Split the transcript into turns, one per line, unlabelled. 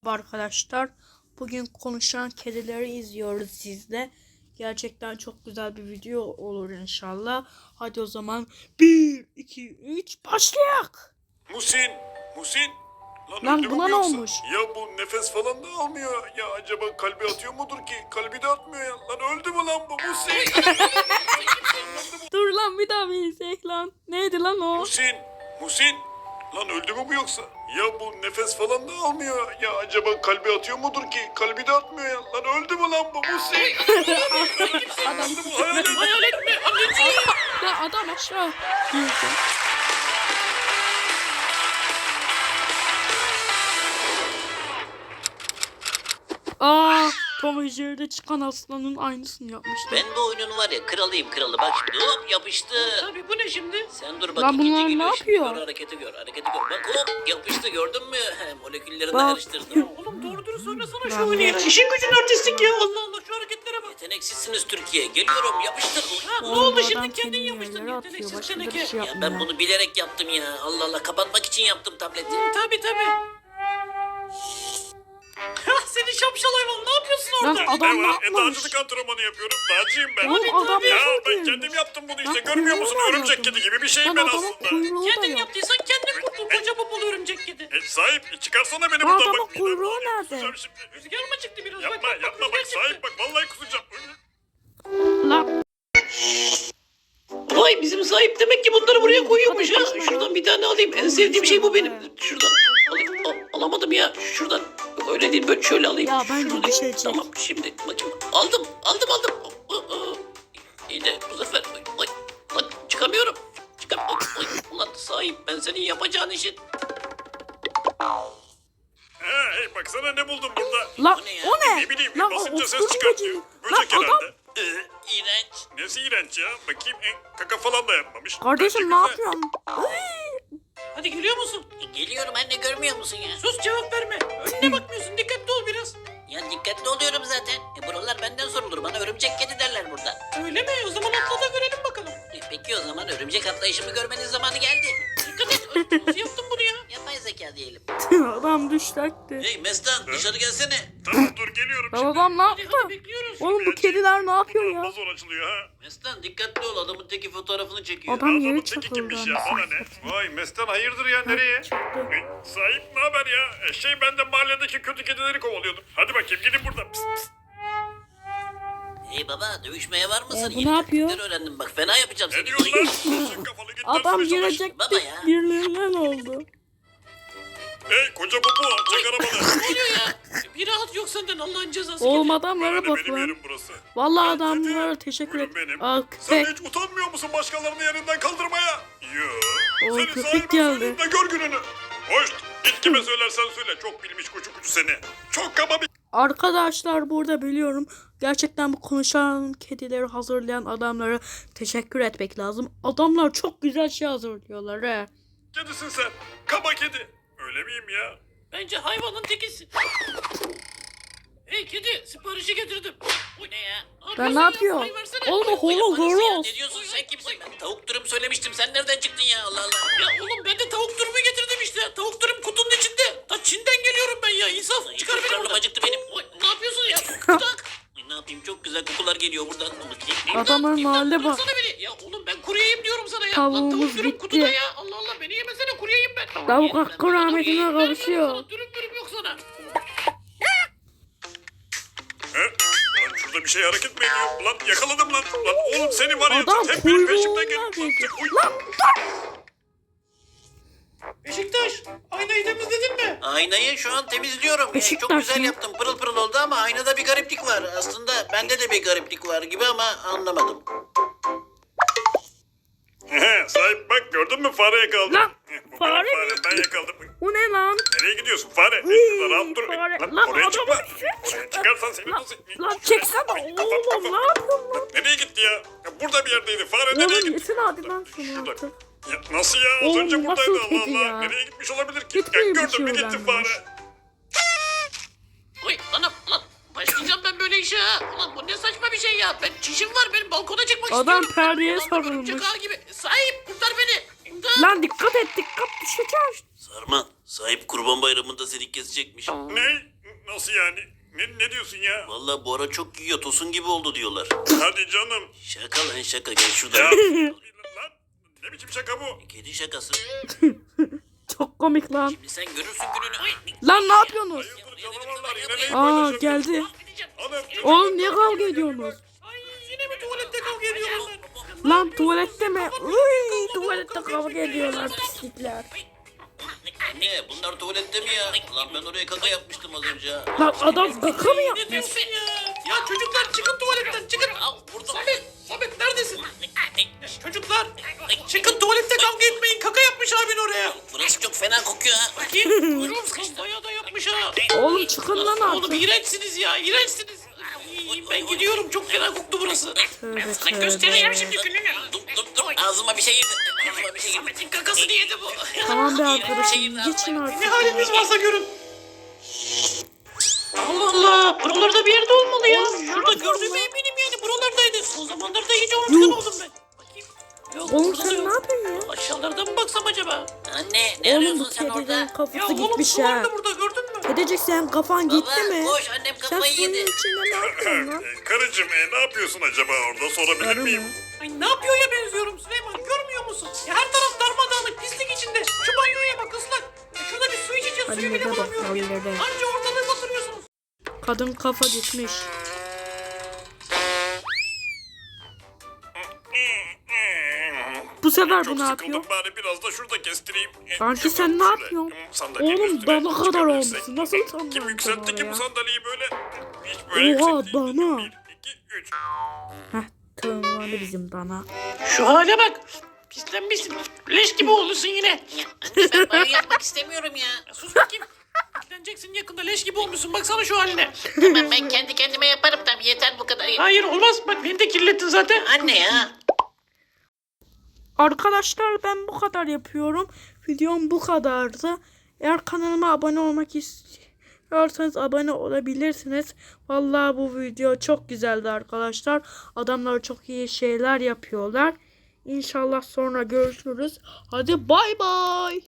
Arkadaşlar, bugün konuşan kedileri izliyoruz sizle. Gerçekten çok güzel bir video olur inşallah. Hadi o zaman 1, 2, 3 başlayalım.
Musin.
Lan
öldü mü
buna
bu
ne
yoksa?
olmuş?
Ya bu nefes falan da almıyor. Ya acaba kalbi atıyor mudur ki? Kalbi de atmıyor ya. Lan öldü mü lan bu Musin?
Dur lan, bir daha bir izleyek lan. Neydi lan o?
Musin. Lan öldü mü bu yoksa? Ya bu nefes falan da almıyor. Ya acaba kalbi atıyor mudur ki? Kalbi de atmıyor ya. Lan öldü mü lan bu Musin?
Adam
Bu hayalet mi?
ya adam aşağı girdi. Tom ve Jerry'de çıkan aslanın aynısını yapmışlar.
Ben bu oyunun var ya kralıyım kralı. Bak şimdi hop yapıştı.
Tabii bu ne şimdi?
Sen dur bak
Lan
ikinci
bunlar ne
geliyor şimdi.
yapıyor?
Gör hareketi gör hareketi gör. Bak hop yapıştı gördün mü? Moleküllerini
Bak.
karıştırdım.
Oğlum doğru dürüst oynasana
Ben
şu oyunu ya.
de-
İşin gücün artistik ya. Allah Allah şu hareketlere bak.
Yeteneksizsiniz Türkiye. Geliyorum yapıştır.
Ha, ne
Oğlum,
oldu
adam
şimdi kendin
kendini
yapıştın
yerlere atıyor,
yeteneksiz
başka bir
teneke.
şey
Ya
yapmıyor.
ben bunu bilerek yaptım ya. Allah Allah kapatmak için yaptım tableti.
Tabii. Seni şapşal hayvan ne yapıyorsun
Lan
orada?
adam ne
Ne var?
yapmış?
Dağcılık antrenmanı yapıyorum. Dağcıyım ben.
Oğlum adam
Ya
nasıl
ben
girmiş?
kendim yaptım bunu işte.
Lan
Görmüyor musun?
kuyruğu var
Örümcek
adamın.
kedi gibi bir şeyim
Lan
ben
adamın
aslında.
kuyruğu da
Kendin
yok.
yaptıysan kendin kurtul koca popolu örümcek kedi.
Sahip çıkarsana beni
Lan
buradan
adamın
bak.
kuyruğu nerede?
Kusacağım şimdi.
Rüzgar mı çıktı biraz?
Yapma bak
rüzgar
sahip
çıktı.
bak vallahi kusacağım.
Lan
Vay bizim sahip demek ki bunları buraya koyuyormuş ha.
Arkadaşlar.
Şuradan bir tane alayım. En sevdiğim şey bu benim. Şuradan alayım. Alamadım ya. Şuradan. Yok, öyle değil böyle şöyle alayım.
Ya bence
Şuradan.
düşecek.
Tamam şimdi bakayım. Aldım. İyi de bu sefer ay, çıkamıyorum. Ulan sahip ben senin yapacağın işin.
Hey baksana ne buldum burada.
lan
O ne ya?
o ne?
Ne bileyim
Lan
basınca ses
osturdu
çıkartıyor.
böceği.
Böcek
Lan adam
herhalde.
İğrenç.
Nesi iğrenç ya? Bakayım kaka falan da yapmamış.
kardeşim
Bence
ne
güzel.
yapıyorsun?
Hadi geliyor musun?
Geliyorum anne görmüyor musun ya?
Sus cevap verme. Önüne bakmıyorsun. Dikkatli ol biraz.
Ya dikkatli oluyorum zaten. Buralar benden sorulur. Bana örümcek kedi derler burada.
Öyle mi? O zaman atla da görelim bakalım.
Peki o zaman örümcek atlayışımı görmenin zamanı geldi.
Dikkat et. Nasıl yaptın bunu ya?
Yapay zeka diyelim.
Adam düştü.
Hey Mestan dışarı gelsene.
Tamam dur geliyorum
Lan
şimdi.
adam ne
Hadi
yaptı?
bekliyoruz.
Oğlum bu kediler ne yapıyor ya?
Daha zor açılıyor ha.
Mestan dikkatli ol adamın teki fotoğrafını çekiyor.
Adam
Adamın
yere
teki
çakıldı.
kimmiş ya bana ne? Vay Mestan hayırdır ya nereye?
Çıktı.
Sahip ne haber ya? Ben de mahalledeki kötü kedileri kovalıyordum. Hadi bakayım gidin buradan. Pıs, pıs.
Hey baba dövüşmeye var mısın?
bu
Yeni
ne yapıyor?
taktikler öğrendim bak fena yapacağım
Ne
seni.
diyorsun lan? Sık kafalı git
Adam
dersine çalış.
girecekti.
Baba ya.
Birbirinden oldu.
Hey koca popo çek arabanı.
Ne oluyor ya? Bir rahat yok senden Allah'ın cezası.
Oğlum
geliyor.
adamlara
Bana ne,
bak
benim
lan.
yerim burası.
Vallahi
Ben
adamlara
dedim,
teşekkür et.
buyurun benim.
Aa
Sen
köpek.
hiç utanmıyor musun başkalarını yerinden kaldırmaya? Yoo.
O
Senin
köpek
sahiben
geldi.
söyleyeyim de gör gününü. Hoş. Git kime söylersen söyle. Çok bilmiş kucu seni. Çok kaba bir...
Arkadaşlar burada biliyorum. Gerçekten bu konuşan kedileri hazırlayan adamlara teşekkür etmek lazım. Adamlar çok güzel şey hazırlıyorlar he.
Kedisin sen. Kaba kedi. Öyle miyim ya?
Bence hayvanın tekisin. Hey kedi siparişi getirdim. Bu ne ya?
Ben ne yapıyor?
Ay versene.
Oğlum o
Yaparız
horoz
ya,
horoz.
Ne diyorsun sen kimsin? Ben tavuk dürüm söylemiştim sen nereden çıktın ya Allah Allah.
Ya oğlum ben de tavuk dürümü getirdim işte. Tavuk dürüm kutunun içinde. Ta Çin'den geliyorum ben ya. İnsaf
Ay,
çıkar
çok
beni
karnım
buradan.
acıktı benim.
Oy, ne yapıyorsun ya? Bırak.
Ay, ne yapayım çok güzel kokular geliyor buradan.
Adamın mahalle bak.
Bıraksana beni. Ya oğlum ben kuru yiyeyim diyorum sana ya.
Tavuğumuz
Lan tavuk dürüm
bitti.
kutuda ya. Allah Allah beni yemesene kuru yiyeyim ben.
Tavuk hakkı rahmetine
Vermiyorum
kavuşuyor.
sana, dürüm yok sana.
He? Lan şurada bir şey hareket mi ediyor? Lan yakaladım lan. Lan oğlum seni var ya.
Adam
hep benim peşimden
kuyruğundan
geliyor.
geçti.
Lan,
Beşiktaş aynayı temizledin mi?
Aynayı şu an temizliyorum. Çok
Beşiktaş
güzel
mı?
yaptım. Pırıl pırıl oldu ama aynada bir gariplik var. Aslında bende de bir gariplik var gibi ama anlamadım.
Sahip bak gördün mü fare yakaladım.
Lan,
Bu
fare
benim
mi?
ben yakaladım.
Bu ne lan?
Nereye gidiyorsun fare?
Iy,
Şurada rahat dur.
fare.
Lan,
Lan
oraya
adamın
çıkma.
üstüne
Oraya
çıktı.
çıkarsan seni
Lan,
nasıl...
lan çeksene
Ay,
oğlum
kafam.
ne yapıyorsun lan?
Nereye gitti ya? Ya burada bir yerdeydi. Fare nereye
Oğlum
gitti?
yesin hadi lan şunu
Şurada.
artık.
Ya nasıl ya? Az
Oğlum,
önce
nasıl
buradaydı Allah
kedi
Allah.
ya?
Nereye gitmiş olabilir ki?
Gitmeyi
Ya
bir
gördün mü
şey
gitti
öğrenmiş.
fare.
Oy lan başlayacağım ben böyle işe ha. Ulan bu ne saçma bir şey ya. Ben çişim var benim balkona çıkmak
Adam
istiyorum.
perdeye
Ulan bu örümcek
sarılmış.
ağı gibi. Sahip kurtar beni. İmdat.
Lan dikkat et dikkat düşeceğiz.
Sarma sahip kurban bayramında seni kesecekmiş.
Ne? Nasıl yani? Ne diyorsun ya?
Vallahi bu ara çok yiyor, tosun gibi oldu diyorlar.
Hadi canım.
Şaka lan şaka, gel
Ya
şuradan.
lan ne biçim şaka bu?
Kedi şakası.
Çok komik lan.
Şimdi sen görürsün gününü. Ay,
Lan ne yapıyorsunuz?
Hayırdır canavarlar yine neyi
Aa
paylaşıyorsunuz?
geldi.
Hanım,
Oğlum niye kavga ediyorsunuz?
Yine mi tuvalette kavga ediyorlar?
Lan tuvalette mi? Uy, tuvalette kavga ediyorlar pislikler.
Ne bunlar tuvalette mi ya? Lan ben oraya kaka yapmıştım az önce.
Lan adam kaka mı
Ne
yapmış?
diyorsun ya? Ya çocuklar çıkın tuvaletten çıkın. Al burada. Samet neredesin? Çocuklar çıkın tuvalette kavga etmeyin. Kaka yapmış abin oraya.
Burası çok fena kokuyor ha.
Bakayım. Kuyruğum sıkıştı. Bayağı da yapmış ha.
Oğlum çıkın lan
Oğlum
artık.
iğrençsiniz ya. İğrençsiniz. Ay, ben gidiyorum. Çok fena koktu burası.
Tövbe
Sana göstereceğim
tövbe.
şimdi gününü.
Dur ağzıma bir şey girdi. Ağzıma bir şey girdi.
Samet'in kakasını yedi bu.
Tamam be arkadaşım geçin
Ne
artık.
haliniz varsa görün. Allah Allah. Buralarda bir yerde olmalı ya.
Oğlum,
Şurada
ne
gördüğüme
yapıyorsun
eminim yani. Buralardaydı. O zamanlarda iyice unutkan
Yok.
oldum ben. Bakayım. Yok,
Oğlum
burada da
sen
yok.
ne yapıyorsun ya?
Aşağılarda mı baksam acaba?
Anne ne
Oğlum bu
arıyorsun sen
kediden
orada?
Ya
kafası
oğlum
gitmiş
su
ha.
vardı burada gördün mü?
Edecek sen kafan gitti
Baba,
mi?
koş, annem
Sen
kafayı
suyun
yedi.
içinde ne yapıyorsun lan?
Karıcığım ne yapıyorsun acaba orada sorabilir
Karı
miyim?
mı?
Ay ne yapıyor ya benziyorum Süleyman görmüyor musun? Ya her taraf darmadağınık pislik içinde. Şu banyoya bak ıslak. Ya şurada bir su içeceğiz suyu bile
Hallede bak
bulamıyorum ya.
hallede.
Anca ortalığı batırıyorsunuz.
Kadın kafa gitmiş. Bu sefer
Çok
bu ne
sıkıldım
yapıyor?
bari biraz da şurada kestireyim.
Sanki
Şöyle,
sen ne
şöyle.
yapıyorsun?
Sandalyenin
Oğlum
üstüne
dana kadar
çıkabilirsek.
olmuşsun. Nasıl
Kim
sandalye
yükseltti ki bu
oraya?
sandalyeyi böyle? Hiç böyle
Oha,
yüksek değil.
dana.
1, 2, 3.
Heh tırmandı bizim dana.
Şu hale bak. Pislenmişsin. Leş gibi olursun yine.
Ya, anne ben banyo yapmak istemiyorum ya.
Sus bakayım. Pisleneceksin yakında leş gibi olmuşsun. Baksana şu haline.
Tamam ben kendi kendime yaparım tamam yeter bu kadar.
Hayır olmaz. Bak beni de kirlettin zaten.
Anne ya.
Arkadaşlar ben bu kadar yapıyorum. Videom bu kadardı. Eğer kanalıma abone olmak istiyorsanız abone olabilirsiniz. Vallahi bu video çok güzeldi arkadaşlar. Adamlar çok iyi şeyler yapıyorlar. İnşallah sonra görüşürüz. Hadi bay bay.